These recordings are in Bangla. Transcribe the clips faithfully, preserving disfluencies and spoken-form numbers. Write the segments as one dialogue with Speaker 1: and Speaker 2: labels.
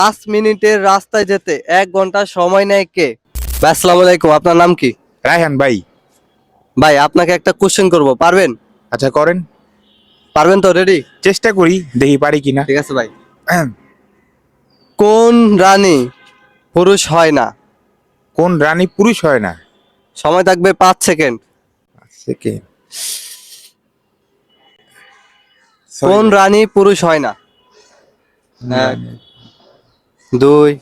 Speaker 1: পাঁচ মিনিটের রাস্তায় যেতে এক ঘন্টা সময় নেয় কে? ভাই আসসালামু আলাইকুম, আপনার নাম কি?
Speaker 2: রায়হান ভাই।
Speaker 1: ভাই আপনাকে একটা কোশ্চেন করব, পারবেন?
Speaker 2: আচ্ছা করেন।
Speaker 1: পারবেন তো? রেডি?
Speaker 2: চেষ্টা করি, দেখি পারি কিনা।
Speaker 1: ঠিক আছে ভাই। কোন রানী পুরুষ হয় না?
Speaker 2: কোন রানী পুরুষ হয় না?
Speaker 1: সময় থাকবে পাঁচ সেকেন্ড।
Speaker 2: সেকেন্ড।
Speaker 1: কোন রানী পুরুষ হয় না? এক, দুই।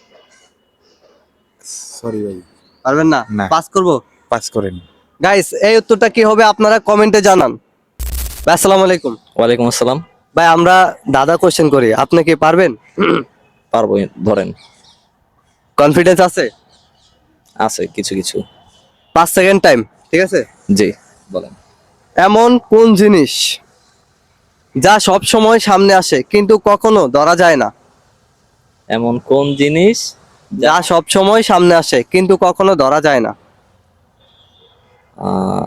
Speaker 2: সরি ভাই।
Speaker 1: পারবেন না?
Speaker 2: না।
Speaker 1: পাস করব।
Speaker 2: পাস করেন।
Speaker 1: গাইস, এই উত্তরটা কি হবে আপনারা কমেন্টে জানান। ভাই আসসালামু আলাইকুম।
Speaker 3: ওয়ালাইকুম আসসালাম।
Speaker 1: ভাই আমরা দাদা কোশ্চেন করি, আপনি কি পারবেন?
Speaker 3: পারবো, ধরেন।
Speaker 1: কনফিডেন্স আছে?
Speaker 3: আছে কিছু কিছু।
Speaker 1: পাঁচ সেকেন্ড টাইম, ঠিক আছে?
Speaker 3: জি, বলেন।
Speaker 1: এমন কোন জিনিস যা সব সময় সামনে আসে কিন্তু কখনো ধরা যায় না?
Speaker 3: এমন কোন জিনিস
Speaker 1: যা সব সময় সামনে আসে কিন্তু কখনো ধরা যায় না?
Speaker 3: আহ,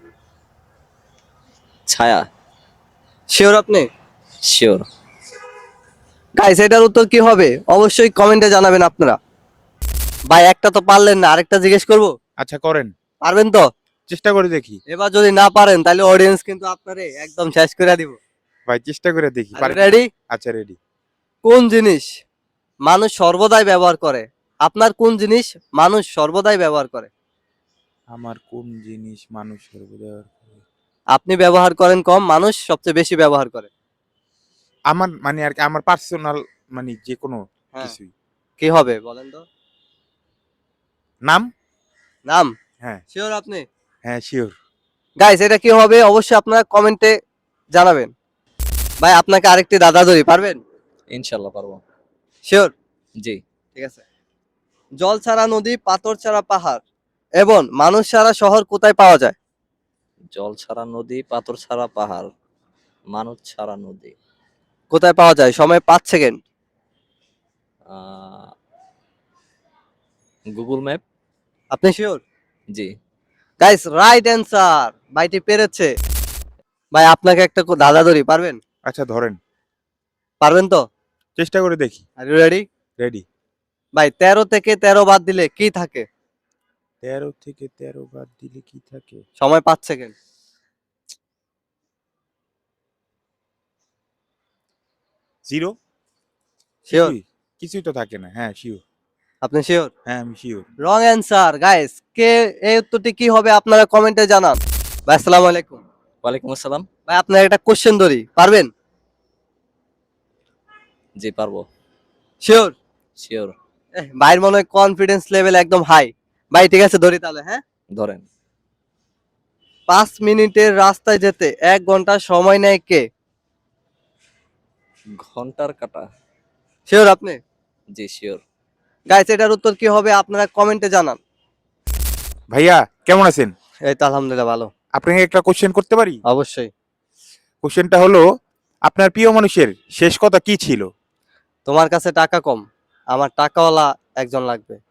Speaker 3: ছায়া।
Speaker 1: শিওর আপনি?
Speaker 3: শিওর।
Speaker 1: গাইস, এটার উত্তর কি হবে অবশ্যই কমেন্টে জানাবেন আপনারা। ভাই একটা তো পারলেন না, আরেকটা জিজ্ঞেস করব।
Speaker 2: আচ্ছা করেন,
Speaker 1: পারবেন তো?
Speaker 2: চেষ্টা করে দেখি।
Speaker 1: এবার যদি না পারেন তাহলে অডিয়েন্স কিন্তু আপনারে একদম শেষ করে দিব।
Speaker 2: ভাই চেষ্টা করে দেখি পারি।
Speaker 1: রেডি?
Speaker 2: আচ্ছা রেডি।
Speaker 1: কোন জিনিস মানুষ সর্বদাই ব্যবহার করে? আপনার কোন জিনিস মানুষ সর্বদাই ব্যবহার করে?
Speaker 2: আমার কোন জিনিস মানুষ সর্বদা
Speaker 1: আপনি ব্যবহার করেন কম, মানুষ সবচেয়ে বেশি ব্যবহার করে।
Speaker 2: আমার মানে আর কি আমার পার্সোনাল, মানে যে কোনো
Speaker 1: হ্যাঁ।
Speaker 2: কিছুই।
Speaker 1: কি হবে বলেন তো?
Speaker 2: নাম।
Speaker 1: নাম?
Speaker 2: হ্যাঁ।
Speaker 1: শিওর আপনি?
Speaker 2: হ্যাঁ শিওর।
Speaker 1: গাইস, এটা কি হবে অবশ্যই আপনারা কমেন্টে জানাবেন। ভাই আপনাকে আরেকটি দাদা ধরি, পারবেন?
Speaker 3: ইনশাল্লাহ পারবো।
Speaker 1: শিওর?
Speaker 3: জি।
Speaker 1: ঠিক আছে। জল ছাড়া নদী, পাথর ছাড়া পাহাড় এবং মানুষ ছাড়া শহর কোথায় পাওয়া যায়?
Speaker 3: জল ছাড়া নদী, পাথর ছাড়া পাহাড়, মানুষ ছাড়া নদী।
Speaker 1: কোথায় পাওয়া যায়? সময় পাঁচ সেকেন্ড।
Speaker 3: Google map.
Speaker 1: আপনি শিওর?
Speaker 3: জি।
Speaker 1: Guys, right answer. ভাইটি পেরেছে। ভাই আপনাকে একটা কো- দাদা ধরি, পারবেন?
Speaker 2: আচ্ছা ধরেন,
Speaker 1: পারবেন তো?
Speaker 2: চেষ্টা করে দেখি।
Speaker 1: Are you ready?
Speaker 2: রেডি।
Speaker 1: ভাই তেরো থেকে তেরো বাদ দিলে কি থাকে?
Speaker 2: তেরো থেকে তেরো বাদ দিলে কি থাকে?
Speaker 1: সময় পাঁচ সেকেন্ড।
Speaker 2: জিরো।
Speaker 1: শিওর?
Speaker 2: কিছুই কিছুই তো থাকে না। হ্যাঁ শিওর।
Speaker 1: আপনি শিওর?
Speaker 2: হ্যাঁ আমি শিওর।
Speaker 1: Wrong answer. গাইস, কে এই উত্তরটি কি হবে আপনারা কমেন্টে জানান। ভাই আসসালামু আলাইকুম।
Speaker 3: ওয়ালাইকুম আসসালাম।
Speaker 1: ভাই আপনার একটা কোশ্চেন ধরি, পারবেন?
Speaker 3: জি পারবো।
Speaker 1: শিওর?
Speaker 3: শিওর।
Speaker 1: ভাইয়ের মনে হয় কনফিডেন্স লেভেল একদম হাই। ভাই ঠিক আছে, ধরি তাহলে। হ্যাঁ।
Speaker 3: ধরেন।
Speaker 1: পাঁচ মিনিটের রাস্তায় যেতে এক ঘন্টা সময় নেয় কে?
Speaker 3: ঘন্টার কাটা।
Speaker 1: শিওর আপনি?
Speaker 3: জি শিওর।
Speaker 1: গাইস, এটার উত্তর কি হবে আপনারা কমেন্টে জানান।
Speaker 2: ভাইয়া কেমন আছেন?
Speaker 1: এই তো আলহামদুলিল্লাহ ভালো।
Speaker 2: আপনাকে একটা কোশ্চেন করতে পারি?
Speaker 1: অবশ্যই।
Speaker 2: কোশ্চেনটা হলো, আপনার প্রিয় মানুষের শেষ কথা কি ছিল?
Speaker 1: তোমার কাছে টাকা কম, আমার টাকাওয়ালা একজন লাগবে।